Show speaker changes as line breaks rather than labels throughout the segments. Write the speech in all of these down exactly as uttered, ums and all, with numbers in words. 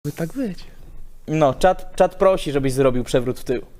By tak być.
No, czat, czat prosi, żebyś zrobił przewrót w tył.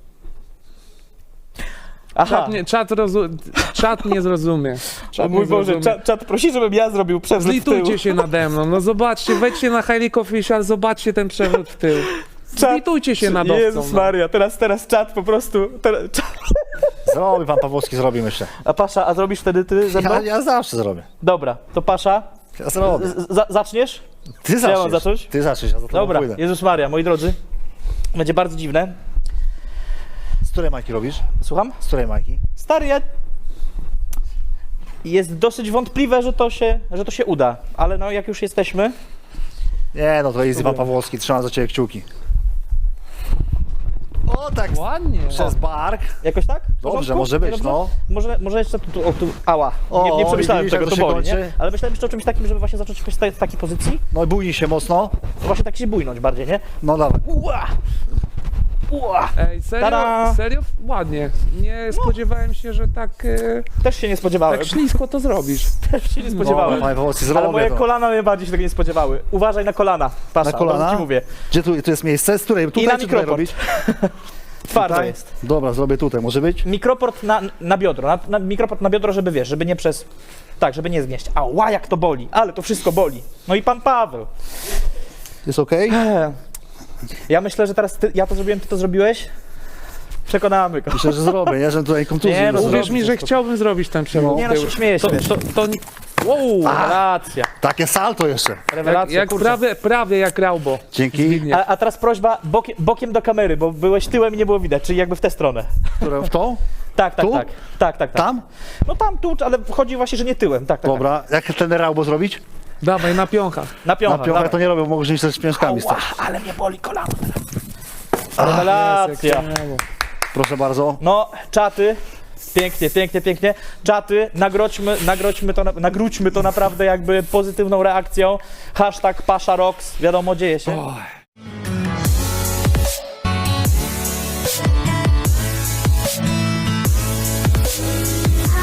Aha,
Czat nie, czat, rozu... czat nie zrozumie.
o
Czat
mój
nie
Boże,
zrozumie.
czat, czat prosi, żebym ja zrobił przewrót w tył.
Zlitujcie się nade mną, no zobaczcie, wejdźcie na Highly Official, zobaczcie ten przewrót w tył. Zlitujcie się nad owcą.
Jezus
no.
Maria, teraz, teraz czat po prostu... Teraz, czat.
Zrobi pan Pawłowski, zrobi myślę.
A Pasza, a zrobisz wtedy ty ze mną?
Ja, ja zawsze zrobię.
Dobra, to Pasza,
Ja zrobię.
z, za, zaczniesz?
Ty
ja mam
zaczniesz.
zacząć?
Ty zaczniesz, ja za tobą
Dobra,
pójdę.
Jezus Maria, moi drodzy, będzie bardzo dziwne.
Z której majki robisz?
Słucham?
Z której majki?
Stary, ja... Jest dosyć wątpliwe, że to się, że to się uda, ale no jak już jesteśmy...
Nie, no to jest pan Pawłowski, trzymam za ciebie kciuki. O, tak,
Ładnie.
przez bark.
Jakoś tak? W
Dobrze,
porządku?
może być,
Dobrze?
no.
Może, może jeszcze tu, tu, o, tu ała,
O,
nie, nie
o,
przemyślałem
widzisz,
tego,
jak
to
to się
boli, nie?
kończy?
Ale myślałem jeszcze o czymś takim, żeby właśnie zacząć jakoś z takiej pozycji,
No i bójnij się mocno.
no właśnie tak się bójnąć bardziej, nie?
No dawaj.
Ua! Ua!
Ej, serio?
Tada!
Serio? Ładnie. Nie spodziewałem się, że tak, e,
Też się nie spodziewałem,
tak ślisko to zrobisz.
też się nie
No,
spodziewałem.
panie Pawłowski,
Ale
zrobię
moje
to.
kolana najbardziej się tego nie spodziewały. Uważaj na kolana, Pasza,
Na kolana?
dobrze ci mówię.
Gdzie tu, tu jest miejsce? Z której? Tutaj
na
czy tutaj
mikroport.
robić?
Twardo
Tutaj?
jest.
Dobra, zrobię tutaj, może być?
Mikroport na, na biodro, na, na, mikroport na biodro, żeby wiesz, żeby nie przez... Tak, żeby nie zgnieść. Ała, jak to boli, ale to wszystko boli. No i pan Paweł.
Jest okej?
Ja myślę, że teraz ty, ja to zrobiłem, ty to zrobiłeś. Przekonamy go.
Myślę, że zrobię, nie? Że tutaj kontuzji
Nie, no
nie
Uwierz
zrobię.
mi, że chciałbym zrobić ten przewrót
Nie
w
no,
tył.
się śmieję się.
To, to, to nie-
Wow, rewelacja.
Takie salto jeszcze.
jak,
Rewelacja,
jak
kurczę.
prawie, prawie jak Raubo.
Dzięki.
Zbigniew.
A, a teraz prośba bokiem, bokiem do kamery, bo byłeś tyłem i nie było widać, czyli jakby w tę stronę.
Które w tą?
Tak, tak,
Tu?
tak. Tak, tak, tak.
Tam?
No tam, tu, ale chodzi właśnie, że nie tyłem. Tak, tak.
Dobra. Jak ten Raubo zrobić?
Dawaj, na piąchach.
Tak. Na piąchę.
Na piąchę to nie robię, bo może mi też z piąskami
Ała,
stać.
ale mnie boli kolano teraz. Rewelacja.
Proszę bardzo.
No, czaty. Pięknie, pięknie, pięknie. Czaty, nagrodźmy, nagrodźmy to, na- nagródźmy to naprawdę jakby pozytywną reakcją. Hashtag Pasza Rocks. Wiadomo, dzieje się.
Oj.